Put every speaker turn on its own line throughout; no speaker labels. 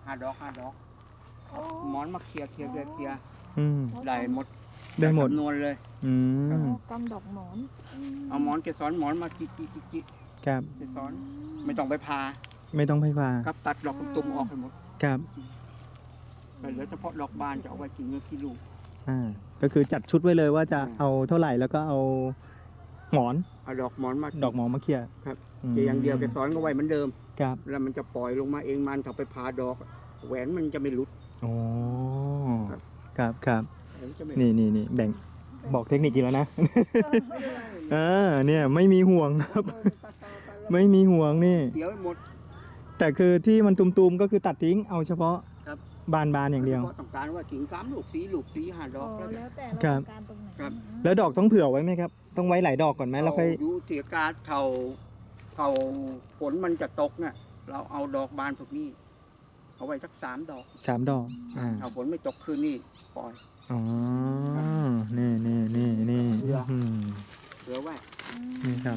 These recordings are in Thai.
5 ดอกหมอนมาเคลียร์
อืม
ได้หมด
ได้หมด
จำนวนเลย
อืม
กำดอกหมอน
เอาหมอนเกสรหมอนมาจิ
ครับ
เกสรไม่ต้องไปพา
ไม่ต้องไฟฟ้า
ครับตัดดอกตุ่มๆออกให้หมด
ครับ
เหลือเฉพาะดอกบานจะเอาไว้กินเนื้อขี้ลูก
ก็คือจัดชุดไว้เลยว่าจะเอาเท่าไหร่แล้วก็เอาหมอน
เอาดอกหมอนมา
ดอกหมอนมาเคลียร์
ครับ
ม
อย่างเดียวเกสรก็ไว้เหมือนเดิม
ครับ
แล้วมันจะปล่อยลงมาเองมันถ้าไปพาดอก แหวนมันจะไม่หลุด
โอ้
ครับ
ครับ
แหวนจะไม่
นี่แบ่งบอกเทคนิคอีกแล้วนะ เนี่ยไม่มีห่วงครับ ไม่มีห่วงนี่
เดี๋ยวหมด
แต่คือที่มันตุมๆก็คือตัดทิ้งเอาเฉพาะ
ครับ
บานอย่างเดียว
ฉพาะต้องการว่ากิ่ง3 ลูก4 ลูก5 ดอกแล้ว
แล้วแต่
ครั
เรา
บ
ต้องการตรงไหน
ครับ
แล้วดอกต้องเผื่อไว้ไหมครับ ต้องไว้หลายดอกก่อนไหมแล้วค่อย
เราอยู่เสียการเท่าฝนมันจะตกเนี่ยเราเอาดอกบานพวกนี้เอาไว้สัก3 ดอก
3 ดอก
ถ้าฝนไม่ตกคืนนี้ปล่อย
อ๋อ นี่
เผื่อ
อืม
เหลือไว้
นี่ครับ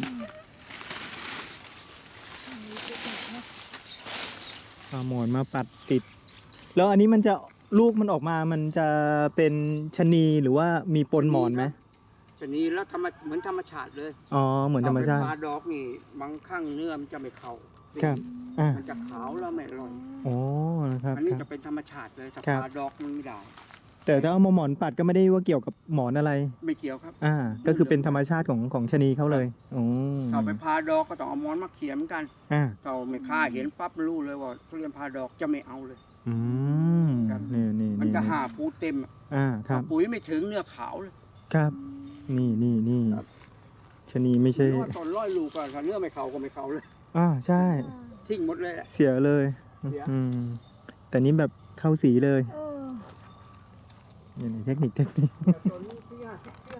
เอาหมอนมาปัดติด แล้วอันนี้มันจะลูกมันออกมามันจะเป็นชะนีหรือว่ามีปนหมอนไหม
ชะนีแล้วเหมือนธรรมชาติเลย
อ๋อ เหมือนธรรมชาติ
เอไปพาดอกนี่บางครั้งเนื้อมันจะไม่เข้า
ครับอ่า
มันจะขาวแล้วไม่อร่อย
โอ้นะครับ
อันนี้
ครั
จะ
บ
เป็นธรรมชาติเลยถ้า
ครับ
พาดอกมันไม่ได้
แต่ถ้าเอามาหมอนปัดก็ไม่ได้ว่าเกี่ยวกับหมอนอะไร
ไม่เกี่ยวครับ
ก็คือเป็นธรรมชาติของชะนีเขาเลยโอ้
ถ้าไปพาดอกก็ต้องเอาหมอนมาเขียนเหมือนกัน
อ่า
ถ้าไม่ค่าเห็นปั๊บรู้เลยว่าทุเรียนพาดอกจะไม่เอาเลย
อืม
ครับ
นี่
มันจะหาปูเต็มอะ
ครับ
ปุ๋ยไม่ถึงเนื้อขาวเลย
ครับ นี่
ครับ
ชะนีไม่ใช่
หรือว่าตอนร้อยลูกก็ถ้าเนื้อไม่เข้าก็ไม่เข้าเลย
ใช่
ทิ้งหมดเลยแหละ
เสียเลย
เสีย
แต่นี้แบบเข้าสีเลย
เออ
นี่เทคนิค
ต้นนี้ที่50